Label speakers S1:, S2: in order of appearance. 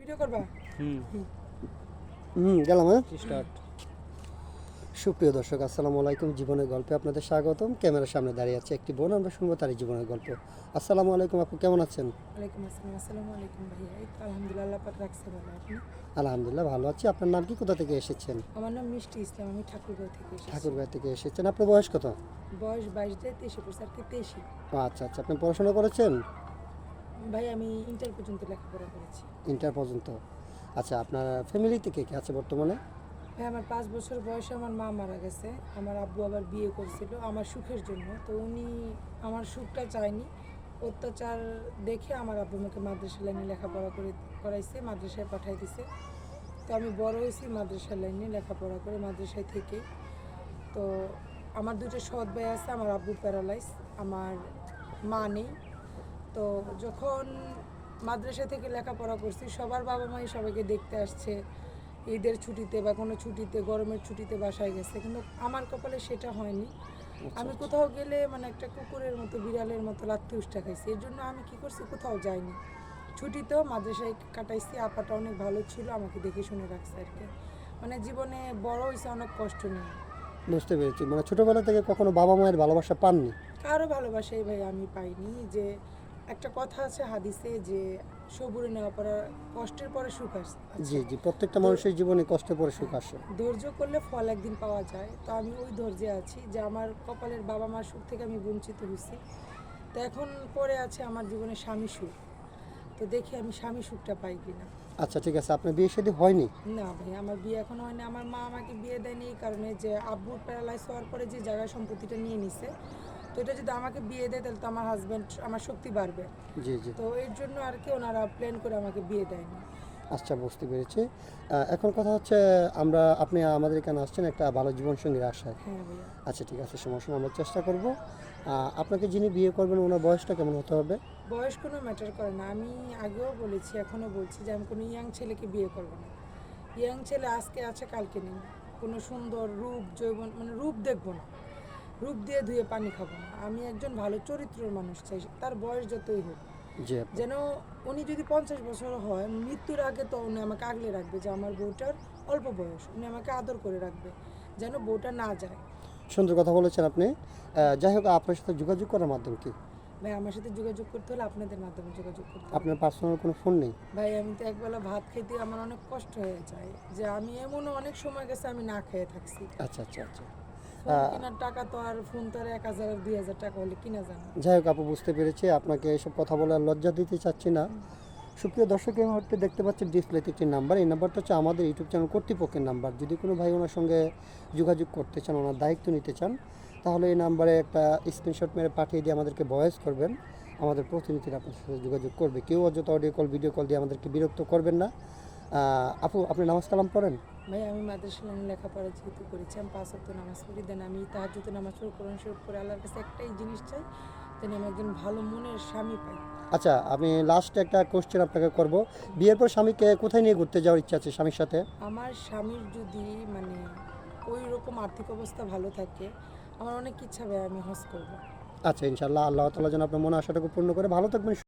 S1: Video করবা?
S2: গেলাম। হ্যাঁ,
S3: স্টার্ট।
S2: সুপ্রিয় দর্শক, আসসালামু আলাইকুম। জীবনের গল্পে আপনাদের স্বাগতম। ক্যামেরার সামনে দাঁড়িয়ে আছে একটি বোন, আমরা শুনবো তারই জীবনের গল্প। আসসালামু আলাইকুম আপু, কেমন আছেন?
S1: ওয়ালাইকুম আসসালাম। আসসালামু আলাইকুম ভাইয়া। এই তো আলহামদুলিল্লাহ, আল্লাহ পাক রাখছে ভালো। আপনি?
S2: আলহামদুলিল্লাহ ভালো আছি। আপনার নাম কি, কোথা থেকে এসেছেন?
S1: আমার নাম মিষ্টি ইসলাম, আমি ঠাকুরগাঁও থেকে এসেছি।
S2: ঠাকুরগাঁও থেকে এসেছেন। আপনার বয়স কত?
S1: বয়স 22 দিয়ে 23 পড়ছে আর কি 23।
S2: ও আচ্ছা আচ্ছা, আপনি পড়াশোনা করেছেন?
S1: ভাই আমি ইন্টার পর্যন্ত লেখাপড়া করেছি।
S2: ইন্টার পর্যন্ত। আচ্ছা, আপনার ফ্যামিলিতে কে কে আছে বর্তমানে?
S1: ভাই আমার 5 বছর বয়সে আমার মা মারা গেছে। আমার আব্বু আবার বিয়ে করছিল আমার সুখের জন্য, তো উনি আমার সুখটা চায়নি। অত্যাচার দেখে আমার আব্বু আমাকে মাদ্রাসা লাইনে লেখাপড়া করাইছে, মাদ্রাসায় পাঠাই দিছে। তো আমি বড় হয়েছি মাদ্রাসা লাইনে লেখাপড়া করে মাদ্রাসায় থেকে। তো আমার দুটো সৎ ভাই আছে, আমার আব্বু প্যারালাইজ, আমার মা নেই। তো যখন মাদ্রাসা থেকে লেখাপড়া করছি, সবার বাবা মাই সবাইকে দেখতে আসছে ঈদের ছুটিতে বা কোনো ছুটিতে, গরমের ছুটিতে বাসায় গেছে, কিন্তু আমার কপালে সেটা হয়নি। আমি কোথাও গেলে মানে একটা কুকুরের মতো, বিড়ালের মতো লাত্তি উষ্টা খাইছি। এর জন্য আমি কী করছি, কোথাও যাইনি। ছুটিতেও মাদ্রাসায় কাটাইছি। আপাটা অনেক ভালো ছিল, আমাকে দেখে শুনে রাখছে আর কি। মানে জীবনে বড় হয়েছে অনেক কষ্ট নিয়ে।
S2: বুঝতে পেরেছি, মানে ছোটোবেলা থেকে কখনো বাবা মায়ের ভালোবাসা পাননি?
S1: কারো ভালোবাসাই ভাই আমি পাইনি। যে একটা কথা আছে হাদিসে যে সবুরে নেওয়া পড়া, কষ্টের পরে সুখ আসে।
S2: জি জি, প্রত্যেকটা মানুষের জীবনে কষ্টে পরে সুখ আসে।
S1: ধৈর্য করলে ফল একদিন পাওয়া যায়। তো আমি ওই ধৈর্যে আছি যে আমার কপালের বাবা মার সুখ থেকে আমি বঞ্চিত হয়েছি। তো এখন পরে আছে আমার জীবনে স্বামী সুখ। তো দেখি আমি স্বামী সুখটা পাই কিনা।
S2: আচ্ছা ঠিক আছে, আপনার বিয়ে শাদী হয়নি?
S1: না ভাই, আমার বিয়ে এখনো হয়নি। আমার মা আমাকে বিয়ে দেয়নি এই কারণে যে আব্বুর প্যারালাইজ হওয়ার পরে যে জায়গা সম্পত্তিটা নিয়ে নিছে, তো এটা যদি আমাকে বিয়ে দেয় তাহলে তো আমার হাজব্যান্ড, আমার শক্তি বাড়বে।
S2: জি জি।
S1: তো এর জন্য আর কি ওনারা প্ল্যান করে আমাকে বিয়ে দেয়নি।
S2: আচ্ছা, বুঝতে পেরেছি। এখন কথা হচ্ছে, আপনি আমাদের এখানে আসছেন একটা ভালো জীবনসঙ্গীর আশায়।
S1: হ্যাঁ ভাইয়া।
S2: আচ্ছা ঠিক আছে, সমস্যা নেই, আমরা চেষ্টা করব। আপনাকে যিনি বিয়ে করবেন ওনার বয়সটা কেমন হতে হবে?
S1: বয়স কোনো ম্যাটার করে না। আমি আগেও বলেছি, এখনও বলছি যে আমি কোনো ইয়াং ছেলেকে বিয়ে করব না। ইয়াং ছেলে আজকে আছে কালকে নেই। কোনো সুন্দর রূপ, যৌবন, মানে রূপ দেখবো না। রূপ দিয়ে ধুয়ে পানি খাবো না। আমি একজন ভালো চরিত্রের মানুষ চাই, তার বয়স যতই হোক।
S2: জি আপু।
S1: যেন উনি যদি 50 বছর হয়, মৃত্যুর আগে তো উনি আমাকে আগলে রাখবে যে আমার বউটার অল্প বয়স, উনি আমাকে আদর করে রাখবে, যেন বউটা না যায়।
S2: সুন্দর কথা বলেছেন আপনি। যাই হোক, আপনার সাথে যোগাযোগ করার মাধ্যম কি?
S1: ভাই আমার সাথে যোগাযোগ করতে হলে আপনাদের মাধ্যমে যোগাযোগ করতে হবে।
S2: আপনার পার্সোনাল কোনো ফোন নেই?
S1: ভাই আমি তো একবেলা ভাত খেতে আমার অনেক কষ্ট হয়ে যায়, যে আমি এমনও অনেক সময় গেছে আমি না খেয়ে থাকছি।
S2: আচ্ছা আচ্ছা আচ্ছা।
S1: ফোন কেনার টাকা তো আর, ফোন তো আর 1000 আর 2000 টাকা হলে কিনা জানো।
S2: যাই হোক আপু, বুঝতে পেরেছি। আপনাকে এসব কথা বলে আর লজ্জা দিতে চাচ্ছি না। সুপ্রিয় দর্শক, এই মুহূর্তে দেখতে পাচ্ছেন ডিসপ্লেতে একটি নাম্বার। এই নাম্বারটা হচ্ছে আমাদের ইউটিউব চ্যানেল কর্তৃপক্ষের নাম্বার। যদি কোনো ভাই ওনার সঙ্গে যোগাযোগ করতে চান, ওনার দায়িত্ব নিতে চান, তাহলে এই নাম্বারে একটা স্ক্রিনশট মেরে পাঠিয়ে দিয়ে আমাদেরকে ভয়েস করবেন। আমাদের প্রতিনিধিরা আপনার সাথে যোগাযোগ করবে। কেউ অযথা অডিও কল, ভিডিও কল দিয়ে আমাদেরকে বিরক্ত করবেন না। আপু, আপনি নামাজ কালাম পড়েন?
S1: ভাই আমি মাদ্রাসা লাইনে লেখাপড়া যেহেতু করেছি, আমি 5 ওয়াক্ত নামাজ পড়ি। দেন আমি তাহাজ্জুদের নামাজ পড়ি, কোরআন শরীফ পড়ে আল্লাহর কাছে একটাই জিনিস চাই, যেন আমি একজন ভালো মনের স্বামী পাই।
S2: আচ্ছা, আমি লাস্টে একটা কোশ্চেন আপনাকে করব। বিয়ের পর স্বামীকে কোথায় নিয়ে ঘুরতে যাওয়ার ইচ্ছা আছে স্বামীর সাথে?
S1: আমার স্বামীর যদি মানে ওই রকম আর্থিক অবস্থা ভালো থাকে, আমার অনেক ইচ্ছা ভাই আমি হজ করবো।
S2: আচ্ছা, ইনশাআল্লাহ আল্লাহ তাআলা যেন আপনার মনে আশাটাকে পূর্ণ করে। ভালো থাকবেন।